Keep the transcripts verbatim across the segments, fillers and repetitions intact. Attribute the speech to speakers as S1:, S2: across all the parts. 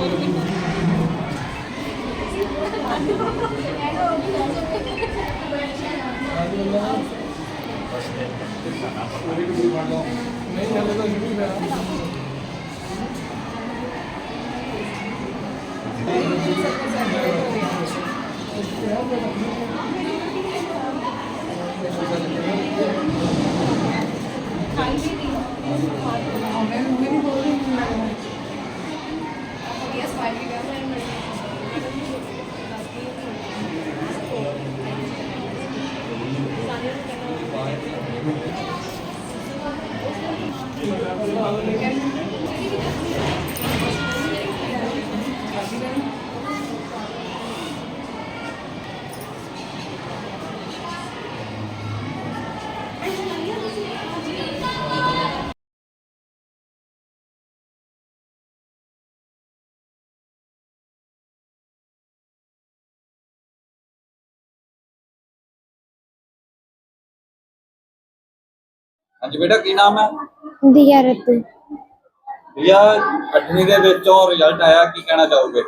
S1: हाँ जी बेटा की नाम है?
S2: दिया रतु।
S1: दिया अठवीं दे विचों रिजल्ट आया, की कहना चाहोगे?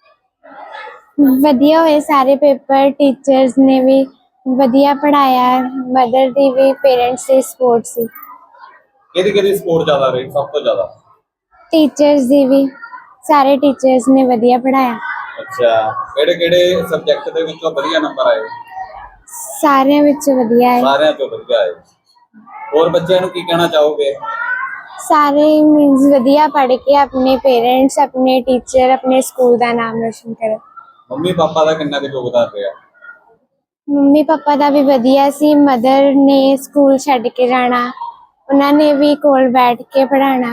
S2: वधिया होए सारे पेपर, टीचर्स ने भी वधिया पढ़ाया, मदर दी भी, पेरेंट्स दी सपोर्ट सी।
S1: किहदी किहदी सपोर्ट ज्यादा रही सब तो ज्यादा?
S2: टीचर्स दी भी, सारे टीचर्स ने वधिया पढ़ाया।
S1: अच्छा, किहड़े किहड़े सब्जेक्ट दे विचों वधिया नंबर आए?
S2: सारे विच वधिया है।
S1: सारे चों वधिया आए। और बच्चों नूं की कहना चाहोगे?
S2: सारे मींस वधिया पढ़ के अपने पेरेंट्स, अपने टीचर, अपने स्कूल का नाम रोशन करो।
S1: मम्मी पापा का कितना कुछ योगदान रहा?
S2: मम्मी पापा का भी वधिया सी। मदर ने स्कूल छड्ड के जाना, उन्होंने भी कोल बैठ के पढ़ाना।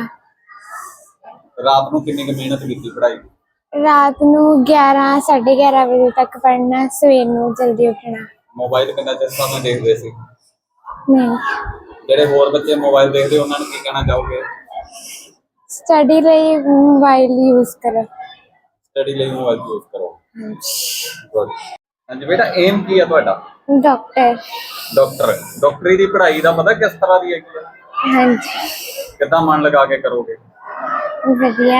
S1: रात नूं कितनी मेहनत की पढ़ाई?
S2: रात नूं ग्यारह साढ़े ग्यारह बजे तक पढ़ना, सवेर नूं जल्दी उठना।
S1: मोबाइल कितना चिर समय देखते सी?
S2: नहीं,
S1: ਜਿਹੜੇ ਹੋਰ ਬੱਚੇ ਮੋਬਾਈਲ ਦੇਖਦੇ ਉਹਨਾਂ ਨੂੰ ਕੀ ਕਹਿਣਾ ਚਾਹੋਗੇ?
S2: स्टडी ਲਈ मोबाइल यूज करो।
S1: ਸਟੱਡੀ ਲਈ ਮੋਬਾਈਲ ਯੂਜ਼ ਕਰੋ। ਗੁੱਡ। ਹਾਂਜੀ ਬੇਟਾ, ਏਮ ਕੀ ਹੈ ਤੁਹਾਡਾ?
S2: डॉक्टर।
S1: ਡਾਕਟਰ। ਡਾਕਟਰੀ ਦੀ ਪੜ੍ਹਾਈ ਦਾ ਪਤਾ ਕਿਸ ਤਰ੍ਹਾਂ ਦੀ ਹੈਗੀ ਹੈ?
S2: हाँ जी।
S1: ਕਿੱਦਾਂ ਮਨ ਲਗਾ ਕੇ ਕਰੋਗੇ?
S2: वधिया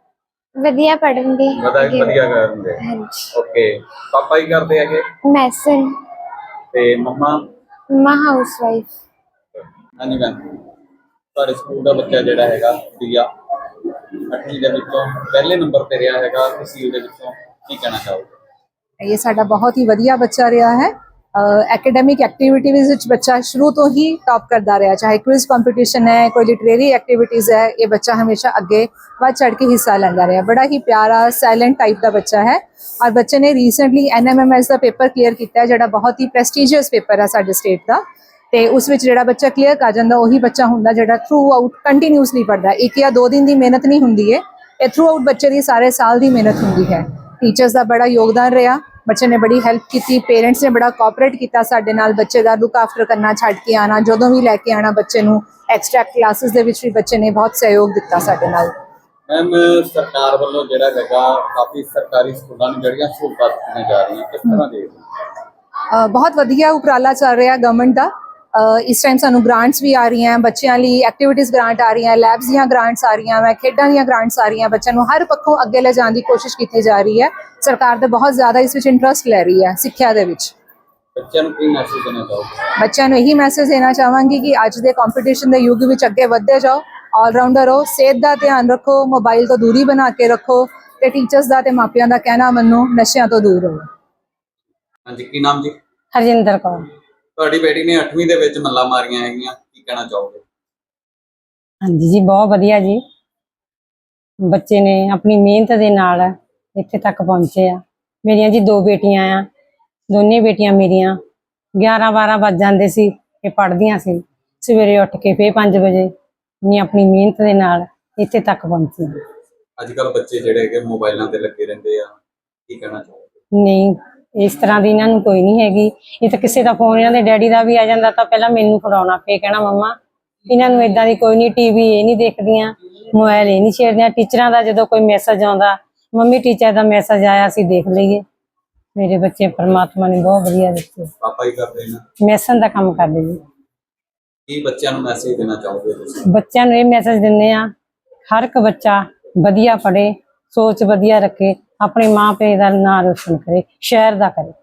S2: वधिया पढ़ूंगी।
S1: ਵਧੀਆ ਵਧੀਆ ਕਰੋਗੇ।
S2: हाँ जी।
S1: ਓਕੇ। ਪਾਪਾ ਹੀ ਕਰਦੇ ਹੈਗੇ
S2: मैसन।
S1: ਤੇ ਮੰਮਾ?
S2: मां हाउस वाइफ।
S1: ਹਾਂਜੀ ਮੈਮ, ਤੁਹਾਡੇ ਸਕੂਲ ਦਾ ਬੱਚਾ ਜਿਹੜਾ ਹੈਗਾ ਦੀਆ ਅੱਠਵੀਂ ਦੇ ਵਿੱਚੋਂ ਪਹਿਲੇ ਨੰਬਰ ਤੇ ਰਿਹਾ ਹੈਗਾ, ਤਹਿਸੀਲ ਦੇ ਵਿੱਚੋਂ, ਕੀ ਕਹਿਣਾ ਚਾਹੋਗੇ?
S3: ये साडा बहुत ही वधिया बच्चा रहा है। एकेडमिक एक्टिविटीज़ विच बच्चा शुरू तो ही टॉप करता रहा, चाहे क्विज कंपटीशन है, कोई लिटरेरी एक्टिविटीज़ है, ये बच्चा हमेशा अगे बढ़ चढ़ के हिस्सा लेंदा रहा। बड़ा ही प्यारा साइलेंट टाइप का बच्चा है। और बच्चे ने recently N M M S का पेपर क्लीयर किया, जो बहुत ही प्रेस्टीजियस पेपर है साडे स्टेट का। तो उस विच जिहड़ा बच्चा क्लीयर कर जाता उही बच्चा हुंदा जिहड़ा थ्रू आउट कंटीन्यूसली पढ़ता। एक या दो दिन की मेहनत नहीं हुंदी है, ये थ्रू आउट बच्चे की सारे साल की मेहनत हुंदी है। टीचर्स का बड़ा योगदान रहा, बच्चे ने बड़ी हेल्प की, पेरेंट्स ने बड़ा कोऑपरेट किया साडे नाल। बच्चे का लुक आफ्टर करना, छड्ड के आना, जदों भी लैके आना बच्चे नूं, एक्सट्रा क्लासेस दे विच भी बच्चे ने बहुत सहयोग दिता साडे नाल।
S1: मैम, सरकार वालों जिहड़ा हैगा काफ़ी सरकारी स्कूलों में जिहड़ियां सहूलतां दित्तियां जा रही, किस तरह दे?
S3: बहुत वधिया उपराला चल रहा गवर्नमेंट का। इस टाइम सानू ग्रांट्स भी आ रही हैं, बच्चों लिए एक्टिविटीज़ ग्रांट आ रही हैं, लैब्स दी ग्रांट्स आ रही हैं, खेडां दी ग्रांट्स आ रही हैं। बच्चों को हर पक्षों अगे ले जाने की कोशिश की जा रही है। सरकार तो बहुत ज़्यादा इस विच इंटरस्ट ले रही है सिक्ख्या दे विच।
S1: बच्चों को की मैसेज देना चाहोगे?
S3: बच्चों को यही मैसेज देना चाहांगी कि अज के कंपीटीशन के युग में अगे बढ़ते जाओ, ऑलराउंडर हो, सेहत का ध्यान रखो, मोबाइल तो दूरी बना के रखो, तो टीचर्स का तो मापियां का कहना मनो, नशियां तो दूर रहो।
S1: हाँ जी, की नाम जी?
S4: हरजिंदर कौर।
S1: ਤੁਹਾਡੀ ਬੇਟੀ ਨੇ ਅੱਠਵੀਂ ਦੇ ਵਿੱਚ ਮੱਲਾਂ ਮਾਰੀਆਂ ਹੈਗੀਆਂ, ਕੀ ਕਹਿਣਾ ਚਾਹੋਗੇ?
S4: ਹਾਂਜੀ ਜੀ, ਬਹੁਤ ਵਧੀਆ ਜੀ। ਬੱਚੇ ਨੇ ਆਪਣੀ ਮਿਹਨਤ ਦੇ ਨਾਲ ਇੱਥੇ ਤੱਕ ਪਹੁੰਚੇ ਆ। ਮੇਰੀਆਂ ਜੀ ਦੋ ਬੇਟੀਆਂ ਆ, ਦੋਨੇ ਬੇਟੀਆਂ ਮੇਰੀਆਂ ਗਿਆਰਾਂ ਬਾਰਾਂ ਵੱਜ ਜਾਂਦੇ ਸੀ ਕਿ ਪੜ੍ਹਦੀਆਂ ਸੀ, ਸਵੇਰੇ ਉੱਠ ਕੇ ਫੇਰ ਪੰਜ ਵਜੇ ਨੇ ਆਪਣੀ ਮਿਹਨਤ ਦੇ ਨਾਲ ਇੱਥੇ ਤੱਕ ਪਹੁੰਚੀਆਂ।
S1: ਅੱਜ ਕੱਲ੍ਹ ਬੱਚੇ ਜਿਹੜੇ ਹੈਗੇ ਮੋਬਾਈਲਾਂ ਤੇ ਲੱਗੇ ਰਹਿੰਦੇ ਆ, ਕੀ ਕਹਿਣਾ ਚਾਹੋਗੇ?
S4: ਨਹੀਂ, ਇਸ ਤਰ੍ਹਾਂ ਦੀ ਇਹਨਾਂ ਨੂੰ ਕੋਈ ਨਹੀਂ ਹੈਗੀ। ਇਹ ਤਾਂ ਕਿਸੇ ਦਾ ਫੋਨ ਇਹਨਾਂ ਦੇ ਡੈਡੀ ਦਾ ਵੀ ਆ ਜਾਂਦਾ ਤਾਂ ਪਹਿਲਾਂ ਮੈਨੂੰ ਫੜਾਉਣਾ, ਫੇਰ ਕਹਿਣਾ ਮੰਮਾ ਇਹਨਾਂ ਨੂੰ ਇਦਾਂ ਦੀ ਕੋਈ ਨਹੀਂ, ਟੀਵੀ ਇਹ ਨਹੀਂ ਦੇਖਦੀਆਂ, ਮੋਬਾਈਲ ਇਹ ਨਹੀਂ ਛੇੜਦੀਆਂ। ਟੀਚਰਾਂ ਦਾ ਜਦੋਂ ਕੋਈ ਮੈਸੇਜ ਆਉਂਦਾ, ਮੰਮੀ ਟੀਚਰ ਦਾ ਮੈਸੇਜ ਆਇਆ ਅਸੀਂ ਦੇਖ ਲਈਏ। ਮੇਰੇ ਬੱਚੇ ਪਰਮਾਤਮਾ ਨੇ ਬਹੁਤ ਵਧੀਆ ਦਿੱਤੇ।
S1: ਪਾਪਾ ਹੀ ਕਰਦੇ ਨੇ?
S4: ਮੈਸਨ ਦਾ ਕੰਮ ਕਰਦੇ ਜੀ।
S1: ਕੀ ਬੱਚਿਆਂ ਨੂੰ ਮੈਸੇਜ ਦੇਣਾ ਚਾਹੋਗੇ ਤੁਸੀਂ?
S4: ਬੱਚਿਆਂ ਨੂੰ ਇਹ ਮੈਸੇਜ ਦਿੰਦੇ ਆ, ਹਰ ਇੱਕ ਬੱਚਾ ਵਧੀਆ ਪੜ੍ਹੇ, ਸੋਚ ਵਧੀਆ ਰੱਖੇ, ਆਪਣੇ ਮਾਂ ਪਿਓ ਦਾ ਨਾਂ ਰੋਸ਼ਨ ਕਰੇ, ਸ਼ਹਿਰ ਦਾ ਕਰੇ।